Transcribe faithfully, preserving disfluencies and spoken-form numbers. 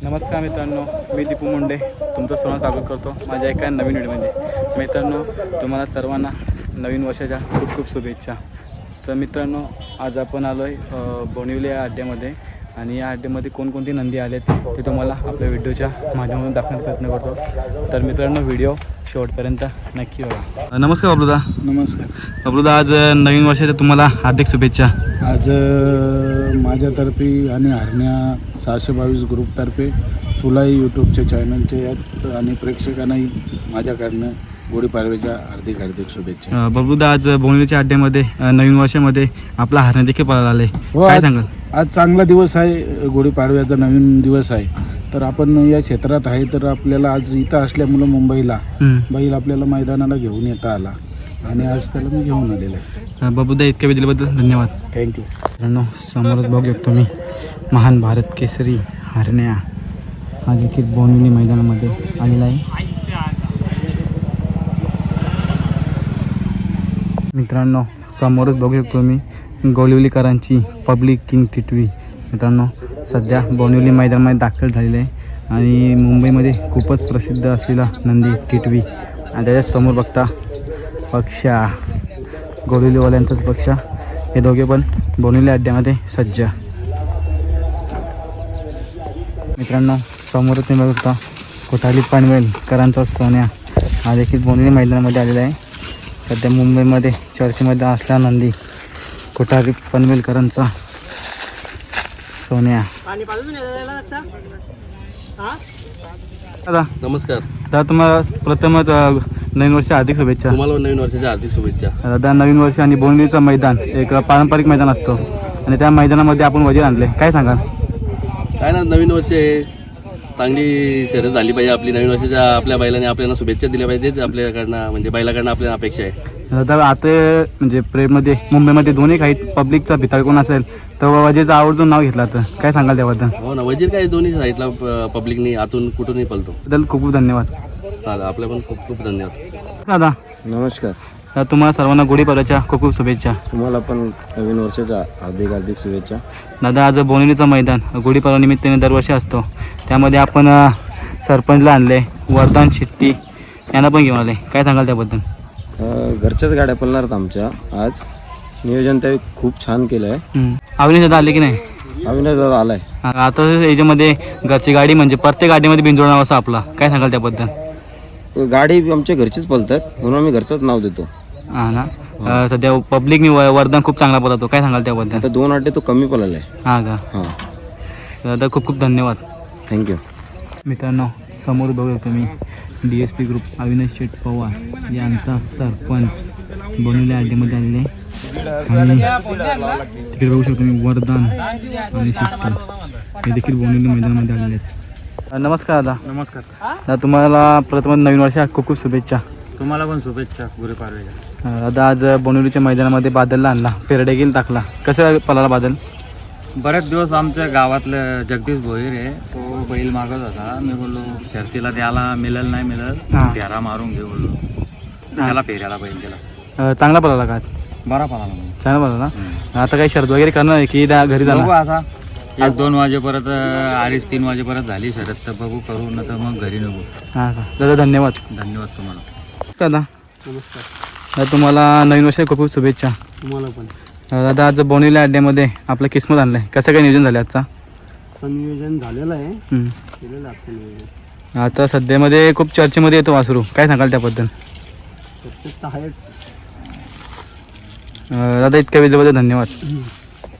नमस्कार मित्रांनो, मी दीपू मुंडे तुमचं सर्वांचं स्वागत करतो माझ्या एका नवीन व्हिडिओमध्ये. मित्रांनो, तुम्हाला सर्वांना नवीन वर्षाच्या खूप खूप शुभेच्छा. तर मित्रांनो, आज आपण आलो आहे बोनिवली या अड्ड्यामध्ये आणि या अड्ड्यामध्ये कोणकोणती नंदी आलेत ते तुम्हाला आपल्या व्हिडिओच्या माध्यमातून दाखवण्याचा प्रयत्न करतो. तर मित्रांनो, व्हिडिओ शेवटपर्यंत नक्की बघा. नमस्कार बबलूदा. नमस्कार बबलूदा, आज नवीन वर्षाच्या तुम्हाला हार्दिक शुभेच्छा. आज माझ्यातर्फे आणि हरण्या सहाशे बावीस ग्रुपतर्फे तुलाही यूट्यूबच्या चॅनलचे आणि प्रेक्षकांनाही माझ्याकडनं गुढीपाडव्याच्या हार्दिक हार्दिक शुभेच्छा. बबलूदा, आज बोनिवलीच्या अड्ड्यामध्ये नवीन वर्षामध्ये आपला हरण्या देखील पळाला आले, हो. काय आज सांगाल? आज चांगला दिवस आहे, गुढीपाडव्याचा नवीन दिवस आहे. तर आपण या क्षेत्रात आहे तर आपल्याला आज इथं असल्यामुळं मुंबईला बैल आपल्याला मैदानाला घेऊन येता आला आणि आज त्याला मी घेऊन आलेला आहे. बबलूदा, इतक्या वेळ दिल्याबद्दल धन्यवाद. थँक्यू. मित्रांनो, समोरच बघू शकतो मी महान भारत केसरी हरण्या हा देखील बोनिवली मैदानामध्ये आलेला आहे. मित्रांनो, समोरच बघू शकतो मी गोलिवलीकरांची पब्लिक किंग टिटवी मित्रांनो सध्या बोनिवली मैदानामध्ये दाखल झालेले आहे आणि मुंबईमध्ये खूपच प्रसिद्ध असलेला नंदी टिटवी आणि त्याच्यासमोर बघता पक्षा गोलिवलीवाल्यांचाच पक्षा, हे दोघे पण बोनिवली अड्ड्यामध्ये सज्ज. मित्रांनो, समोरच तुम्ही बघता कोठाली पनवेलकरांचा सोन्या हा देखील बोनिवली मैदानामध्ये आलेला आहे. सध्या मुंबईमध्ये चर्चेमध्ये असला नंदी कोठारी पनवेलकरांचा सोन्या. दादा नमस्कार. दादा, तुम्हाला प्रथमच नवीन वर्ष हार्दिक शुभेच्छा. तुम्हाला नवीन वर्षाच्या हार्दिक शुभेच्छा. दादा, नवीन वर्ष आणि बोनिवलीचं मैदान एक पारंपरिक मैदान असतो आणि त्या मैदानामध्ये आपण वजीर आणले, काय सांगाल? काय ना, नवीन वर्ष आहे, चांगली शर्यत झाली पाहिजे आपली. नवीन वर्षाच्या आपल्या बैलाने आपल्याला शुभेच्छा दिल्या पाहिजेत आपल्याकडनं, म्हणजे बैलाकडनं आपल्याला अपेक्षा आहे. दादा, आता म्हणजे प्रेममध्ये मुंबईमध्ये दोन्ही काही पब्लिकचा भिताळ कोण असेल तर वजीरचं आवर्जून नाव घेतलं तर काय सांगाल त्याबद्दल? हो ना, वजीर काय दोन्ही साईडला पब्लिकनी आतून कुठूनही पळतो. त्याबद्दल खूप खूप धन्यवाद. चालेल, आपल्या पण खूप खूप धन्यवाद. दादा नमस्कार. दादा, तुम्हाला सर्वांना गुढीपाडव्याच्या खूप खूप शुभेच्छा. तुम्हाला पण नवीन वर्षाच्या हार्दिक हार्दिक शुभेच्छा. दादा, आज बोनिवलीचं मैदान गुढीपाडवा निमित्ताने दरवर्षी असतो, त्यामध्ये आपण अ, सरपंचला आणले, वरदान शेट्टी यांना पण घेऊन आले, काय सांगाल त्याबद्दल? घरच्याच गाड्या पळणार आमच्या. आज नियोजन ते खूप छान केलं आहे. अविनाश दादा आले की नाही? अविनाश दादा आलाय. आता याच्यामध्ये घरची गाडी म्हणजे प्रत्येक गाडीमध्ये बिनजोड नाव असं आपला, काय सांगाल त्याबद्दल? गाडी आमच्या घरचीच पळतात म्हणून आम्ही घरचंच नाव देतो. हां ना. अ, सध्या पब्लिकनी वरदान खूप चांगला पळतो, काय सांगाल त्याबद्दल? आता दोन अड्डे तो कमी पळाला आहे. हां का? हां, दादा खूप खूप धन्यवाद. थँक्यू. मित्रांनो, समोर बघू तुम्ही D S P group Avinash Sheth Pawar यांचा सरपंच बोनिवली अड्ड्यामध्ये आलेले आणि तिकडे बघू शकतो मी वरदान आणि शेट्टी हे देखील बोनिवली मैदानामध्ये आलेले आहेत. नमस्कार दादा. नमस्कार. दादा, तुम्हाला प्रथम नवीन वर्षा खूप खूप शुभेच्छा. तुम्हाला पण शुभेच्छा गुढीपाडव्याच्या. दादा, आज बोनिवलीच्या मैदानामध्ये बादलला आणला, पेरडे गेल टाकला, कसं पळाला बादल? बरेच दिवस आमच्या गावातलं जगदीश भोईर आहे, तो बैल मागत होता. मी बोललो शर्तीला द्यायला मिळेल नाही मिळेल, हां. फेरा मारून घेऊ बोललो, त्याला फेऱ्याला बैल दिला. अ, चांगला पळाला का? बरा पळाला म्हणून. चांगला पळाला ना. आता काही शर्त वगैरे करणार आहे की त्या घरी बघू जाणार? आता एक दोन वाजेपर्यंत, अडीच तीन वाजेपर्यंत झाली शर्यत तर बघू करू, न तर मग घरी नको. हां का? दादा धन्यवाद. धन्यवाद तुम्हाला. दादा, नमस्कार. दादा, तुम्हाला नवीन वर्षाच्या खूप खूप शुभेच्छा. तुम्हाला पण. दादा, आज बोनिवली अड्ड्यामध्ये आपलं किस्मत आणलं आहे, कसं काय नियोजन झालं आजचा? नियोजन झालेलं आहे. हं. केलेलं आहे नियोजन. आता सध्यामध्ये खूप चर्चेमध्ये येतो वासरू, काय सांगाल त्याबद्दल? आहेच. दादा, इतक्या वेळेबद्दल धन्यवाद.